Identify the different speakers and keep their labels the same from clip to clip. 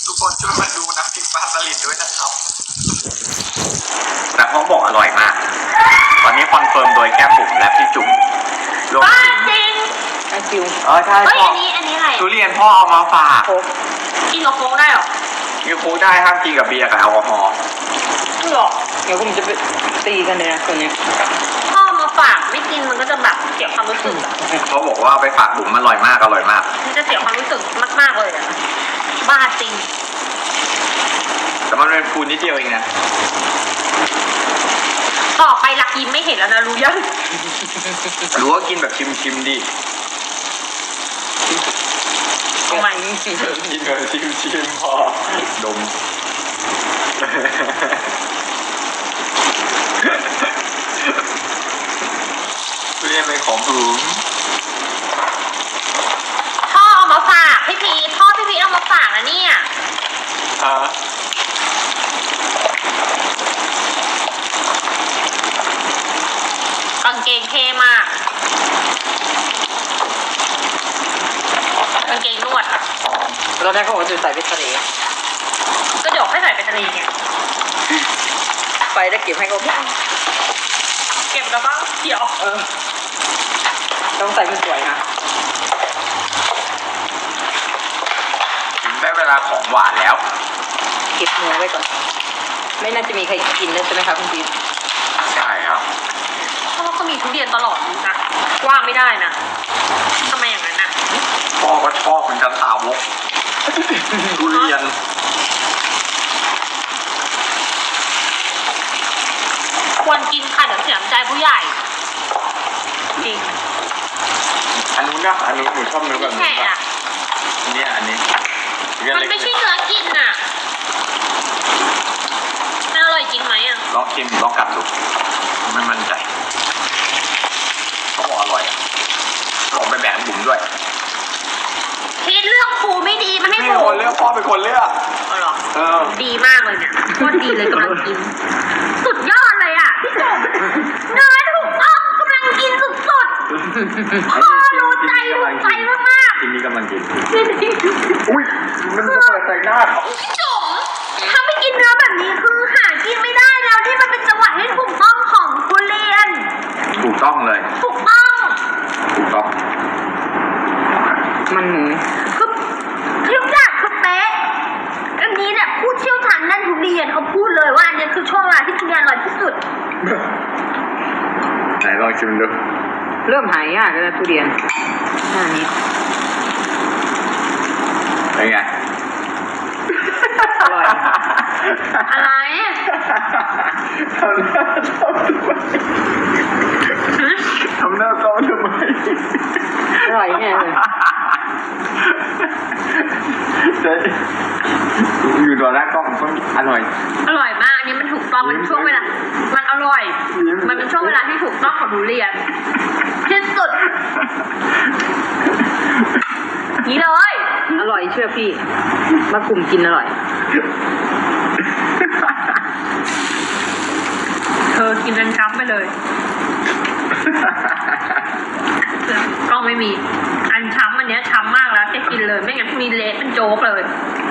Speaker 1: ทุกคนช่วยมาดูน้ำพริกปลาสลิดด้วยนะครับแต่พ่อบอกอร่อยมากตอนนี้คอนเฟิร์มโดยแก้มบุ๋มและพี่จุ๋มรวมถึง
Speaker 2: จริง
Speaker 3: ไอคิว
Speaker 1: ใช่
Speaker 2: เฮ้ย
Speaker 1: พ่อ
Speaker 2: อันนี้อะไร
Speaker 1: ทุเรียนพ่อเอามาฝาก
Speaker 3: โค้ก
Speaker 2: กินกับโค้กได้หรอ
Speaker 1: กินโค้กได้ห้ามกินกับเบียร์กับแอลกอฮอล์
Speaker 2: หรอ
Speaker 3: เดี๋ยวผมจะไปตีกันเลยนะตัวเนี้ย
Speaker 2: พ่อมาฝากไม่กินมันก็จะแบบเสียความรู้สึกอะ
Speaker 1: เขาบอกว่าไปฝากบุ๋มอร่อยมากอร่อยมาก
Speaker 2: มันจะเสียความรู้สึกมากๆเลยอะบ้าจริง
Speaker 1: แต่มันเป็นฟูนิดเดียวเองนะ
Speaker 2: ต่อไปหลักยิ้มไม่เห็นแล้วนะรู้ยัง
Speaker 1: รู้ว่ากินแบบชิมๆดิ
Speaker 2: ทำไม
Speaker 1: กินแบบชิมพอดมทุเรียนเป็นของบุ๋ม
Speaker 2: พ่อเอามาฝากพี่พีพ่อพี่พีเอามาฝากนะเนี่ย
Speaker 1: ฮะ
Speaker 2: กางเกงเท่มากกางเกงนวดอะ
Speaker 3: ตอนแรกเขาบอกจะใส่ไปทะเล
Speaker 2: ก็เดี๋ยวให้ใส่ไปทะเลไง
Speaker 3: ไปได้เก็บให้เขาบ้าง
Speaker 2: เก็บแล้วก็เดี๋ยว
Speaker 3: ต้องใส่มันสวยนะ
Speaker 1: ได้เวลาของหวานแล้ว
Speaker 3: เก็บเนื้อไว้ก่อน ไม่น่าจะมีใครกินแล้วใช่ไหมครับคุณพีท
Speaker 1: ใช่ครับ
Speaker 2: เพราะว่าเขามีทุเรียนตลอดนะว่าไม่ได้นะทำไมอย่างนั้นอะ
Speaker 1: พ่อก็ชอบเหมือนกันสาวกทุเรียน
Speaker 2: ควรกินค่ะเดี๋ยวเสียน้ำใจผู้ใหญ่จริง
Speaker 1: อันนู้นนะอันนู้นหนูชอบเนื้อแบบ
Speaker 2: แค่
Speaker 1: นี้ป่ะ
Speaker 2: อะ
Speaker 1: อันนี้อันนี้
Speaker 2: มันไม่ใช่เนื้อกินอะมันอร่อยจริงไหมอะ
Speaker 1: ลองชิมลองกัดดูไม่มั่นใจเขาบอกอร่อยอะบอกไปแบ่งบุ๋มด้วย
Speaker 2: พีทเลือกครูไม่ดีมันให้
Speaker 1: ไม่
Speaker 2: หมู
Speaker 1: คนเลือกพ่อเป็นคนเลือก
Speaker 2: อ๋อเหรอ
Speaker 1: เออ
Speaker 2: ดีมากเลยเนี่ยโคตรดีเลยกำลังกิน สุดยอดเลยอ่ะพี่จุ๋มเนื้อถูกต้องกำลังกินสุดๆพ่อรู้ใจมาก
Speaker 1: ทีนี้กำลังกิน
Speaker 2: ๆจริง
Speaker 1: อุ้ยมันจะเปิดใส่หน้าเขา
Speaker 2: ๆพี่จุ๋มถ้าไม่กินเนื้อแบบนี้คือหากินไม่ได้แล้วที่มันเป็นจังหวะที่ถูกต้องของทุเรียน
Speaker 1: ถูกต้องเลย
Speaker 2: ถูกต้อง
Speaker 1: ถูกต้อง
Speaker 3: มันหมู
Speaker 2: คือทุกอย่างคือเป๊ะอันนี้เนี่ยผู้เชี่ยวชาญด้านทุเรียนเขาพูดเลยว่าอันนี้คือช่วงเวลาที่ทุเรียนอร่อยที่สุด
Speaker 1: ไหนลองชิมดู
Speaker 3: เริ่มหายยากแล้วนะทุเรียนหน้านี้
Speaker 1: เป็นไง
Speaker 3: อร่อย
Speaker 2: อะไร
Speaker 1: ทำหน้าเศร้าทำไม
Speaker 3: อร่อยแน่เลย
Speaker 1: เจ๊อยู่ต่อหน้ากล้องมันอร่อย
Speaker 2: อร่อยมากอันนี้มันถูกต้องมันช่วงเวลามันอร่อย มันเป็นช่วงเวลาที่ถูกต้องของทุเรียนที่สุดนี่เลย
Speaker 3: อร่อยเชื่อพี่มากลุ่มกินอร่อย
Speaker 2: เธอกินกันช้ำไปเลยกล้องไม่มี อันช้ำอันเนี้ยช้ำมากแล้วจะกินเลยไม่งั้นมีเละเป็นโจ๊กเลย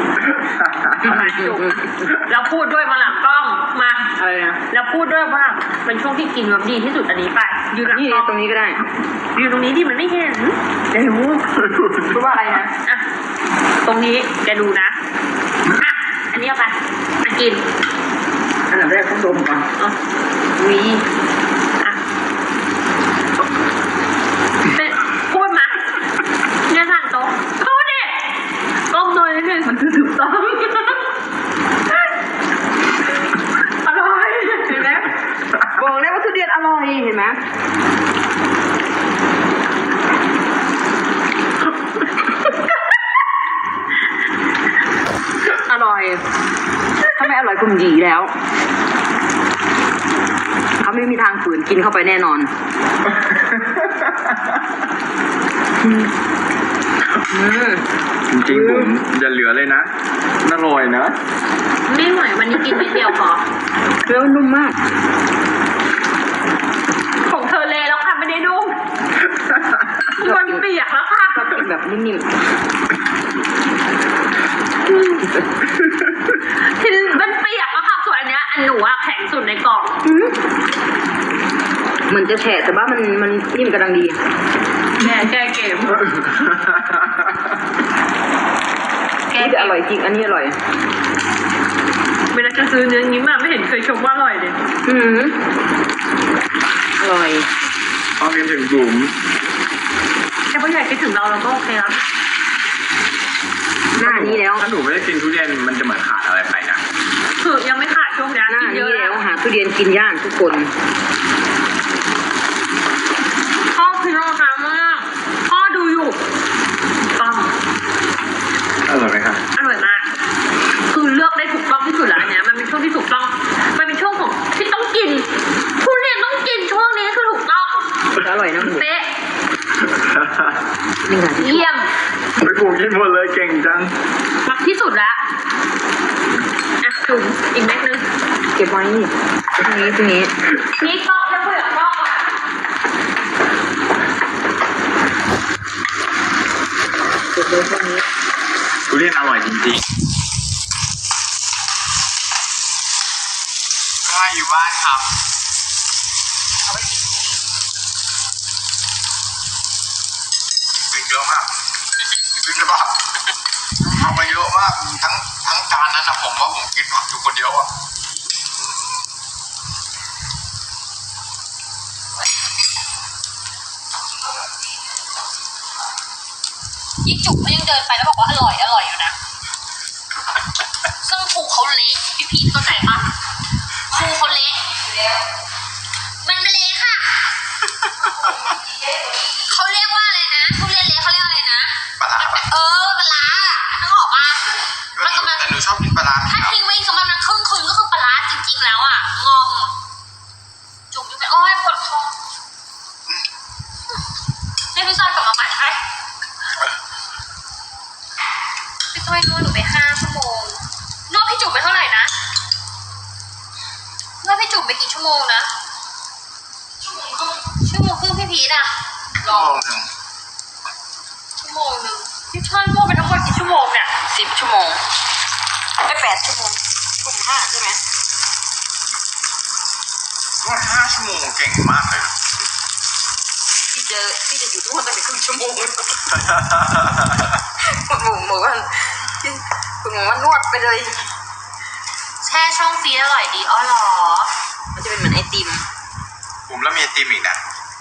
Speaker 2: แล้วพูดด้วยมาหลังกล้องมา
Speaker 3: อะไรนะ
Speaker 2: แล้วพูดด้วยว่าเป็นช่วงที่กินแบบดีที่สุดอันนี้ไปยืนหลัง
Speaker 3: นี่
Speaker 2: กล้อง
Speaker 3: ตรงนี้ก็ได้
Speaker 2: ยืนตรงนี้ดิมันไม่เห็นเดี๋ยว
Speaker 3: พูดว่าอะไรนะ
Speaker 2: อ่ะตรงนี้แกดูนะอ่ะอันนี้เอาไปมากิน
Speaker 3: อันดับแรกต้องดมก่อน
Speaker 2: อ๋อวีอ่ะเป็นพูดมาเนี่ยสั่งโต๊ะพูดดิก้มหน่อยนิดนึงมันคือถูกต้องอร่อยเห็นไหม
Speaker 3: บอกเลยว่าทุเรียนอร่อยเห็นไหมอร่อยถ้าไม่อร่อยคุณหยีแล้วเขาไม่มีทางฝืนกินเข้าไปแน่นอน
Speaker 1: จริงๆผมอย่าเหลือเลยนะอร่อยนะ
Speaker 2: ไม่ไหววันนี้กินนิดเดียวพอ
Speaker 3: แล้วนุ่มมาก
Speaker 2: ของเธอเลยแล้วค่ะไม่ได้นุ่มมันเปียกแล้วค่ะ
Speaker 3: ก็กินแบบนิ่ม
Speaker 2: คือมันเปียกอะค่ะส่วนอันเนี้ยอันหนูอะแข็งสุดในกล่อง
Speaker 3: เหมือนจะแฉะแต่ว่ามันนิ่มกำลังดี
Speaker 2: แม่แก้เกม แก้
Speaker 3: นี่
Speaker 2: เก
Speaker 3: จะอ
Speaker 2: ม
Speaker 3: ร่อยจริงอันนี้อร่อย
Speaker 2: เวลาจะซื้อเนื้อนี้มาไม่เห็นเคยชมว่าอร่อยเลย
Speaker 3: อืมอร่อย
Speaker 1: พอกินถึงบุ๋ม
Speaker 2: แต่พอใหญ่คิดถึงเราก็โอเคแล้ว
Speaker 3: หน้านี้แล้ว
Speaker 1: ถ้าหนูไม่ได้กินทุเรียนมันจะเหมือนขาดอะไรไปนะ
Speaker 2: คือยังไม่ขาดช่วงนี้
Speaker 3: หน้า
Speaker 2: กินเย
Speaker 3: นี้
Speaker 2: อะ
Speaker 3: แล้
Speaker 2: แล้ว ว
Speaker 3: หาทุเรียนกินย่างทุกคน
Speaker 2: พ่อคือรอดมากพ่อดูอยู่ต้อง
Speaker 1: อร่อยไหมคะ
Speaker 2: อร่อยมาก คือเลือกได้ถูกต้องที่สุดแล้วอันเนี้ยมันเป็นช่วงที่ถูกต้อง มันเป็นช่วงของที่ต้องกินทุเรียนต้องกินช่วงนี้คือถูกต้อง
Speaker 3: อร่อยนะหมู
Speaker 2: เป๊ะ
Speaker 3: นี่ค่ะที่
Speaker 2: เยี่ยม
Speaker 1: ไปปลูกกินหมดเลยเก่งจัง
Speaker 2: มักที่สุดแล้วอ่ะจุ่มอีกเม็ดนึง
Speaker 3: เก็บไว้นี่ตรงนี้
Speaker 2: นี่ก็จะเปลือกก็อ่ะ
Speaker 3: เก็บไว้ตรงนี้
Speaker 1: ทุเรียนอร่อยจริงๆก็อยู่บ้านครับ
Speaker 3: เอาไว้กินพรุ่งนี้
Speaker 1: กินเยอะมากกินเยอะมากเอามาเยอะมากทั้งจานนั้นนะผมว่าผมกินผักอยู่คนเดียวอะ
Speaker 2: ยิ่งจุกก็ยังเดินไปแล้วบอกว่าอร่อยอร่อยอยู่นะ ซึ่งครูเขาเละพี่พีทเข้าใจปะครูเขาเละมันไม่เละค่ะ เขาเรียกว่าอะไรนะทุเรียนเละเขาเรียกอะไรนะ
Speaker 1: ปลาร้าปะ
Speaker 2: ปลาร้านึกออกปะมันกำลัง
Speaker 1: แต่หนูชอบกินปลาร้า
Speaker 2: ถ้าทิ้งไว้อีกสำหรับนั้นครึ่งคืนก็คือปลาร้าจริงๆแล้วอ่ะงงจุกอยู่ไปโอ้ยปวดคอนี่พี่ซอนกลับมาใหม่ให้พี่ต้อยนวดหนูไป5 ชั่วโมงนวดพี่จุ๋มไปเท่าไหร่นะนวดพี่จุ๋มไปกี่ชั่วโมงนะชั่วโมงครึ่งพี่พีทอ่ะ
Speaker 1: ลองหนึ่ง
Speaker 2: ชั่วโมงหนึ่งพี่ชอนนวดไปทั้งหมดกี่ชั่วโมงเนี่ย
Speaker 3: 10 ชั่วโมงได้8 ชั่วโมงกลุ่ม5ใช่ไหม
Speaker 1: นวด5 ชั่วโมงเก่งมากเลย
Speaker 3: พี่จะอยู่ทุกวันตั้งแต่ครึ่งชั่วโมงคุณหมูบอกว่าคุณหมูว่านวดไปเลย
Speaker 2: แช่ช่องฟรีซอร่อยดีอ๋อเหรอ
Speaker 3: มันจะเป็นเหมือนไอติม
Speaker 1: ผมแล้วมีไอติมอีกนะ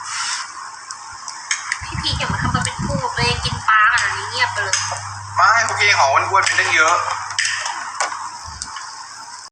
Speaker 2: พี่พีอย่ามาทำมาเป็นพูดตัวเองกินปลาขนาดนี้เงียบไปเลย
Speaker 1: ไม่โอเคหอมอ้วนๆไปตั้งเยอะ